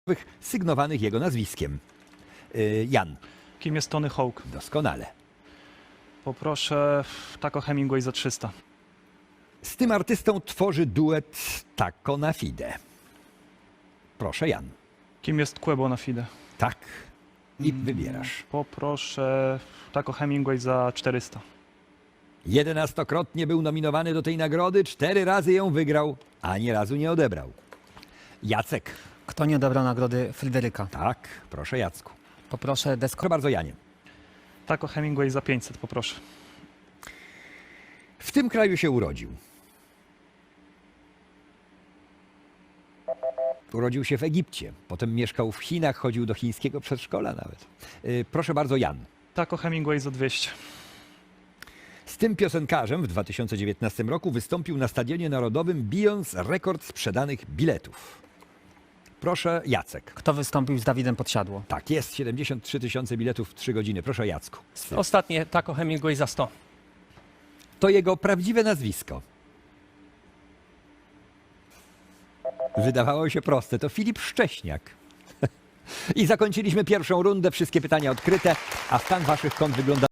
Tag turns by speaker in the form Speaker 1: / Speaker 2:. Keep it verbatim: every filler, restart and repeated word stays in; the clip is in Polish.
Speaker 1: sygnowanych jego nazwiskiem. Y, Jan.
Speaker 2: Kim jest Tony Hawk?
Speaker 1: Doskonale.
Speaker 2: Poproszę Taco Hemingway za trzysta.
Speaker 1: Z tym artystą tworzy duet Taco na Fide. Proszę, Jan.
Speaker 2: Kim jest Quebo na Fide?
Speaker 1: Tak. I wybierasz.
Speaker 2: Poproszę Taco Hemingway za czterysta.
Speaker 1: Jedenastokrotnie był nominowany do tej nagrody, cztery razy ją wygrał, a ani razu nie odebrał. Jacek.
Speaker 3: Kto nie odebrał nagrody Fryderyka?
Speaker 1: Tak, proszę Jacku.
Speaker 3: Poproszę desko.
Speaker 1: Proszę bardzo, Janie.
Speaker 2: Taco Hemingway za pięćset, poproszę.
Speaker 1: W tym kraju się urodził. Urodził się w Egipcie, potem mieszkał w Chinach, chodził do chińskiego przedszkola nawet. Yy, proszę bardzo, Jan.
Speaker 2: Taco Hemingway za dwieście.
Speaker 1: Z tym piosenkarzem w dwa tysiące dziewiętnastym roku wystąpił na Stadionie Narodowym, bijąc rekord sprzedanych biletów. Proszę, Jacek.
Speaker 3: Kto wystąpił z Dawidem Podsiadło?
Speaker 1: Tak jest, siedemdziesiąt trzy tysiące biletów w trzy godziny. Proszę, Jacku.
Speaker 4: Ostatnie Taco Hemingway za sto.
Speaker 1: To jego prawdziwe nazwisko. Wydawało się proste. To Filip Szcześniak. I zakończyliśmy pierwszą rundę. Wszystkie pytania odkryte, a stan waszych kont wygląda